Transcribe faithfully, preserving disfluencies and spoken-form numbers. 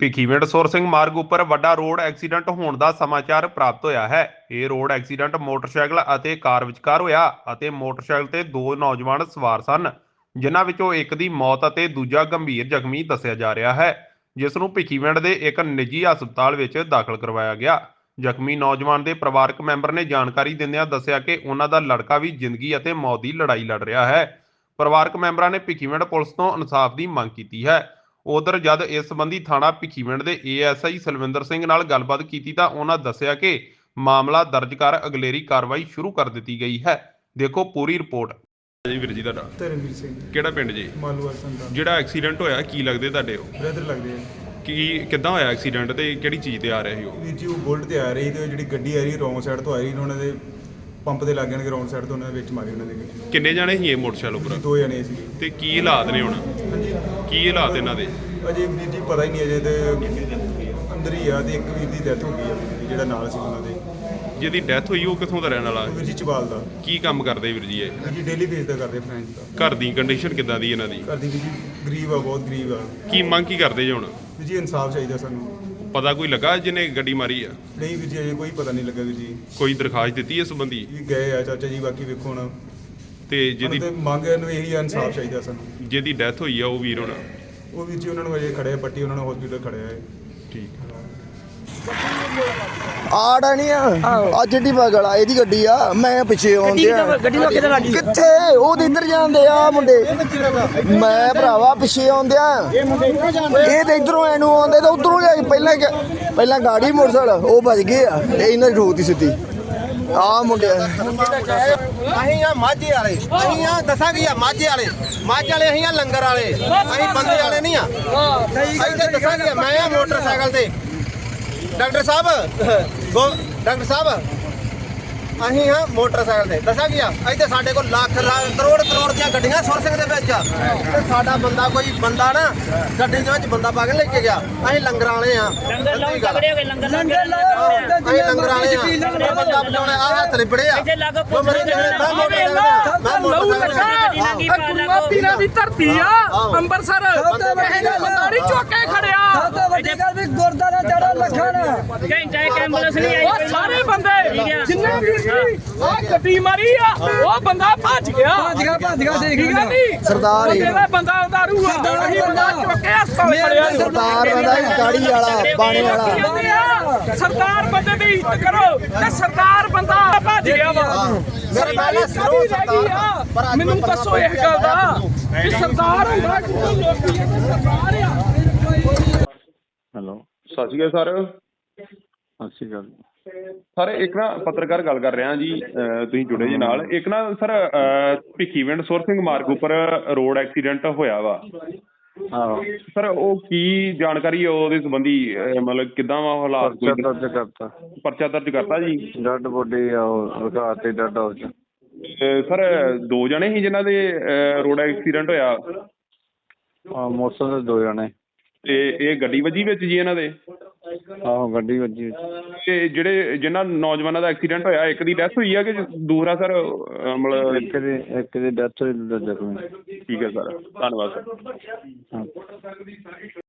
ਭਿੱਖੀਵਿੰਡ ਸੁਰ ਸਿੰਘ ਮਾਰਗ ਉੱਪਰ ਵੱਡਾ ਰੋਡ ਐਕਸੀਡੈਂਟ ਹੋਣ ਦਾ ਸਮਾਚਾਰ ਪ੍ਰਾਪਤ ਹੋਇਆ ਹੈ। ਇਹ ਰੋਡ ਐਕਸੀਡੈਂਟ ਮੋਟਰਸਾਈਕਲ ਅਤੇ ਕਾਰ ਵਿਚਕਾਰ ਹੋਇਆ ਅਤੇ ਮੋਟਰਸਾਈਕਲ ਤੇ ਦੋ ਨੌਜਵਾਨ ਸਵਾਰ ਸਨ, ਜਿਨ੍ਹਾਂ ਵਿੱਚੋਂ ਇੱਕ ਦੀ ਮੌਤ ਅਤੇ ਦੂਜਾ ਗੰਭੀਰ ਜ਼ਖਮੀ ਦੱਸਿਆ ਜਾ ਰਿਹਾ ਹੈ, ਜਿਸ ਨੂੰ ਭਿੱਖੀਵਿੰਡ ਦੇ ਇੱਕ ਨਿੱਜੀ ਹਸਪਤਾਲ ਵਿੱਚ ਦਾਖਲ ਕਰਵਾਇਆ ਗਿਆ। ਜ਼ਖਮੀ ਨੌਜਵਾਨ ਦੇ ਪਰਿਵਾਰਕ ਮੈਂਬਰ ਨੇ ਜਾਣਕਾਰੀ ਦਿੰਦਿਆਂ ਦੱਸਿਆ ਕਿ ਉਹਨਾਂ ਦਾ ਲੜਕਾ ਵੀ ਜ਼ਿੰਦਗੀ ਅਤੇ ਮੌਤ ਦੀ ਲੜਾਈ ਲੜ ਰਿਹਾ ਹੈ। ਪਰਿਵਾਰਕ ਮੈਂਬਰਾਂ ਨੇ ਭਿੱਖੀਵਿੰਡ ਪੁਲਿਸ ਤੋਂ ਇਨਸਾਫ ਦੀ ਮੰਗ ਕੀਤੀ ਹੈ। ਉਧਰ ਜਦ ਇਸ ਸੰਬੰਧੀ ਥਾਣਾ ਭਿੱਖੀਵਿੰਡ ਦੇ A S I Salwinder Singh ਨਾਲ ਗੱਲਬਾਤ ਕੀਤੀ ਤਾਂ ਉਹਨਾਂ ਦੱਸਿਆ ਕਿ ਮਾਮਲਾ ਦਰਜ ਕਰ ਅਗਲੇਰੀ ਕਾਰਵਾਈ ਸ਼ੁਰੂ ਕਰ ਦਿੱਤੀ ਗਈ ਹੈ। ਦੇਖੋ ਪੂਰੀ ਰਿਪੋਰਟ। ਜੀ ਵੀਰ ਜੀ ਤੁਹਾਡਾ ਧਰਮਵੀਰ ਸਿੰਘ ਕਿਹੜਾ ਪਿੰਡ ਜੀ? ਮਾਲੂਵਾਲ ਸੰਤਾਂ ਜਿਹੜਾ ਐਕਸੀਡੈਂਟ ਹੋਇਆ ਕੀ ਲੱਗਦੇ ਤੁਹਾਡੇ? ਉਹ ਬ੍ਰਦਰ ਲੱਗਦੇ ਆ ਕੀ ਕਿੱਦਾਂ ਹੋਇਆ ਐਕਸੀਡੈਂਟ ਤੇ ਕਿਹੜੀ ਚੀਜ਼ ਤੇ ਆ ਰਹੇ ਸੀ ਉਹ? ਵੀਰ ਜੀ ਉਹ ਬੁਲਟ ਤੇ ਆ ਰਹੀ ਤੇ ਜਿਹੜੀ ਗੱਡੀ ਆ ਰਹੀ ਰੋਂਗ ਸਾਈਡ ਤੋਂ ਆ ਰਹੀ ਉਹਨਾਂ ਦੇ ਪੰਪ ਦੇ ਲੱਗ ਜਾਣਗੇ ਰੋਂਗ ਸਾਈਡ ਤੋਂ ਉਹਨਾਂ ਦੇ ਵਿੱਚ ਮਾਰੀ ਉਹਨਾਂ ਦੇ ਗੱਡੀ। ਕਿੰਨੇ ਜਾਣੇ ਸੀ ਇਹ ਮੋਟਰਸਾਈਕਲ ਉੱਪਰ? ਦੋ ਜਣੇ ਸੀ। ਤੇ ਕੀ ਹਾਲਾਤ ਨੇ ਹੁਣ? ਹਾਂਜੀ ਕੀ ਹਾਲਾਤ ਇਹਨਾਂ ਦੇ? ਅਜੇ ਵੀਰ ਜੀ ਪਤਾ ਹੀ ਨਹੀਂ ਅਜੇ ਤੇ ਅੰਦਰ ਹੀ ਆ ਤੇ ਇੱਕ ਵੀਰ ਦੀ ਡੈਥ ਹੋ ਗਈ ਆ ਜਿਹੜਾ ਨਾਲ ਸੀ ਉਹਨਾਂ ਦੇ। ਜਿਹਦੀ ਡੈਥ ਹੋਈ ਉਹ ਕਿੱਥੋਂ ਦਾ ਰਹਿਣ ਵਾਲਾ? ਵੀਰ ਜੀ ਚਬਾਲ ਦਾ। ਕੀ ਕੰਮ ਕਰਦੇ ਵੀਰ ਜੀ ਇਹ? ਵੀਰ ਜੀ ਡੇਲੀ ਬੇਸ ਦਾ ਕਰਦੇ ਫਰੈਂਚ ਦਾ। ਘਰ ਦੀ ਕੰਡੀਸ਼ਨ ਕਿੱਦਾਂ ਦੀ ਇਹਨਾਂ ਦੀ? ਘਰ ਦੀ ਵੀਰ ਜੀ ਗਰੀਬ ਆ, ਬਹੁਤ ਗਰੀਬ ਆ। ਕੀ ਮੰਗ ਕੀ ਕਰਦੇ ਜੀ ਹੁਣ? ਵੀਰ ਜੀ ਇਨਸਾਫ ਚਾਹੀਦਾ ਸਾਨੂੰ। ਪਤਾ ਕੋਈ ਲੱਗਾ ਜਿਹਨੇ ਗੱਡੀ ਮਾਰੀ ਆ? ਨਹੀਂ ਵੀਰ ਜੀ ਅਜੇ ਕੋਈ ਪਤਾ ਨਹੀਂ ਲੱਗਾ ਵੀਰ ਜੀ। ਕੋਈ ਦਰਖਾਸਤ ਦਿੱਤੀ ਇਸ ਸੰਬੰਧੀ? ਵੀ ਗਏ ਆ ਚਾਚਾ ਜੀ, ਬਾਕੀ ਵੇਖੋ ਹੁਣ ਤੇ ਜਿਹਦੀ ਜਿਹਦੀ ਮੰਗ ਨੂੰ ਇਹੀ ਆ, ਇਨਸਾਫ ਚਾਹੀਦਾ ਸਾਨੂੰ। ਜਿਹਦੀ ਡੈਥ ਹੋਈ ਆ ਉਹ ਵੀਰ ਹੁਣ? ਉਹ ਵੀਰ ਜੀ ਉਹਨਾਂ ਨੂੰ ਅਜੇ ਖੜਿਆ ਪੱਟੀ, ਉਹਨਾਂ ਨੂੰ ਹਸਪੀਟਲ ਖੜਿਆ ਹੈ। ਠੀਕ। ਆੜਾ ਨਹੀਂ ਆ ਆ ਜਿੱਡੀ ਬਗਲ ਆ ਇਹਦੀ ਗੱਡੀ ਆ, ਮੈਂ ਪਿੱਛੇ ਆਉਂਦੇ ਆ। ਗੱਡੀ ਨੂੰ ਕਿੱਧਰ ਲੱਗੀ? ਕਿੱਥੇ ਉਹ ਤੇ ਇੱਧਰ ਜਾਂਦੇ ਆ ਮੁੰਡੇ, ਮੈਂ ਭਰਾਵਾ ਪਿੱਛੇ ਆਉਂਦੇ ਆ। ਇਹ ਤੇ ਇਧਰੋਂ ਐਨੂੰ ਆਉਂਦੇ ਤੇ ਉਧਰੋਂ ਜਾ ਕੇ ਪਹਿਲਾਂ ਪਹਿਲਾਂ ਗਾੜੀ ਮੋਟਰਸਾਈਕਲ ਉਹ ਭੱਜ ਗਏ ਆ ਤੇ ਇਹਨਾਂ ਦੀ ਠੋਕਤੀ ਸਿੱਧੀ ਆ ਮੁੰਡੇ। ਅਸੀਂ ਆ ਮਾਝੇ ਵਾਲੇ, ਅਸੀਂ ਆ ਦੱਸਾਂ ਕੀ ਆ ਮਾਝੇ ਵਾਲੇ ਮਾਝੇ ਵਾਲੇ ਅਸੀਂ ਆ ਲੰਗਰ ਵਾਲੇ, ਅਸੀਂ ਬੰਦੇ ਵਾਲੇ ਨਹੀਂ ਆ। ਅਸੀਂ ਤਾਂ ਦੱਸਾਂ ਕੀ ਆ, ਮੈਂ ਆ ਮੋਟਰਸਾਈਕਲ ਤੇ ਡਾਕਟਰ ਸਾਹਿਬ ਗੋ ਡਾਕਟਰ ਸਾਹਿਬ ਅਸੀਂ ਹਾਂ ਮੋਟਰਸਾਈਕਲ ਤੇ ਦੱਸਾਂ ਕੀ ਆ। ਇੱਥੇ ਸਾਡੇ ਕੋਲ ਲੱਖ ਕਰੋੜ ਕਰੋੜ ਦੀਆਂ ਗੱਡੀਆਂ ਸੁਰ ਸਿੰਘ ਦੇ ਵਿੱਚ ਤੇ ਸਾਡਾ ਬੰਦਾ ਕੋਈ ਬੰਦਾ ਨਾ ਗੱਡੀ ਦੇ ਵਿੱਚ ਬੰਦਾ ਪਾ ਕੇ ਲੈ ਕੇ ਗਿਆ। ਅਸੀਂ ਲੰਗਰ ਵਾਲੇ ਆ, ਲੰਗਰ ਲਾਉਣ ਤਗੜੇ ਹੋ ਗਏ, ਲੰਗਰ ਲੰਗਰ ਅਸੀਂ ਲੰਗਰ ਵਾਲੇ ਆ। ਬੰਦਾ ਬਚਾਉਣੇ ਆ ਹੱਥ ਲਿਬੜੇ ਆ। ਇੱਥੇ ਲੱਗ ਜੋ ਮੇਰੇ ਜਿਹੜੇ ਮੈਂ ਮੋਟਰਸਾਈਕਲ ਮੈਂ ਮੋਟਰਸਾਈਕਲ ਪੀਰਾਂ ਦੀ ਧਰਤੀ ਆ ਅੰਮ੍ਰਿਤਸਰ, ਬੰਦਾਰੀ ਚੁੱਕੇ ਖੜਿਆ ਗੁਰਦਾਰਾ ਜੜਾ ਲੱਖਣ ਘੰਟਾ ਇੱਕ ਐਂਬੂਲੈਂਸ ਨਹੀਂ ਆਈ। ਉਹ ਸਾਰੇ ਬੰਦੇ ਜਿੰਨੇ ਵੀ ਆ ਗੱਡੀ ਮਾਰੀ ਆ ਉਹ ਬੰਦਾ ਭੱਜ ਗਿਆ ਭੱਜ ਗਿਆ ਭੱਜ ਗਿਆ ਠੀਕ ਹੈ ਨਹੀਂ ਸਰਦਾਰ ਹੀ ਜਿਹੜਾ ਬੰਦਾ ਦਾਰੂ ਆ ਅਸੀਂ ਬੰਦਾ ਚੁੱਕੇ ਹਸਪਤਾਲ ਖੜਿਆ। ਸਰਦਾਰ ਬੰਦਾ ਹੀ ਗਾੜੀ ਵਾਲਾ ਬਾਣੇ ਵਾਲਾ। ਸਰਦਾਰ ਬੰਦੇ ਦੀ ਇੱਜ਼ਤ ਕਰੋ ਤੇ ਸਰਦਾਰ ਬੰਦਾ ਭੱਜ ਗਿਆ ਵਾ। ਸਰਦਾਰ ਸਰਦਾਰ ਮੈਨੂੰ ਦੱਸੋ ਇਹ ਗੱਲ ਦਾ ਕਿ ਸਰਦਾਰ ਹੁੰਦਾ ਕਿ ਲੋਕੀ ਇਹ ਸਰਦਾਰ ਆ। ਹੈਲੋ, ਸਤਿ ਸ਼੍ਰੀ ਅਕਾਲ ਸਰ। ਸਤਿ ਸ਼੍ਰੀ ਅਕਾਲ ਸਰ ਇੱਕ ਨਾ ਪੱਤਰਕਾਰ ਗੱਲ ਕਰ ਰਿਹਾ ਜੀ, ਤੁਸੀਂ ਜੁੜੇ ਜੀ ਨਾਲ। ਇੱਕ ਨਾ ਸਰ ਭਿੱਖੀਵਿੰਡ ਸੁਰ ਸਿੰਘ ਮਾਰਗ ਉੱਪਰ ਰੋਡ ਐਕਸੀਡੈਂਟ ਹੋਇਆ ਵਾ ਆਹੋ। ਸਰ, ਉਹ ਕੀ ਜਾਣਕਾਰੀ ਹੈ ਉਹਦੇ ਸੰਬੰਧੀ? ਮਤਲਬ ਕਿੱਦਾਂ ਵਾ ਹਾਲਾਤ? ਪਰਚਾ ਦਰਜ ਕਰਤਾ, ਪਰਚਾ ਦਰਜ ਕਰਤਾ ਜੀ। ਡੈਡ ਬੋਡੀ ਆ ਉਹ ਰਖਾ ਤੇ ਡੈਡ ਹਾਊਸ ਚ। ਸਰ ਦੋ ਜਣੇ ਸੀ ਜਿਨ੍ਹਾਂ ਦੇ ਰੋਡ ਐਕਸੀਡੈਂਟ ਹੋਇਆ? ਹਾਂ, ਮੋਟਰਸਾਈਕਲ ਦੇ ਦੋ ਜਣੇ। ਤੇ ਇਹ ਗੱਡੀ ਵੱਜੀ ਵਿੱਚ ਜੀ ਇਹਨਾਂ ਦੇ? ਆਹੋ, ਗੱਡੀ ਵੱਜੀ। ਤੇ ਜਿਹੜੇ ਜਿਨ੍ਹਾਂ ਨੌਜਵਾਨਾਂ ਦਾ ਐਕਸੀਡੈਂਟ ਹੋਇਆ, ਇੱਕ ਦੀ ਡੈਥ ਹੋਈ ਆ ਕਿ ਦੂਸਰਾ ਸਰ? ਮਤਲਬ ਇੱਕ ਦੀ ਇੱਕ ਦੀ ਡੈਥ ਹੋਈ, ਦੂਜਾ ਜ਼ਖਮੀ। ਠੀਕ ਹੈ ਸਰ, ਧੰਨਵਾਦ ਸਰ। ਹਾਂ।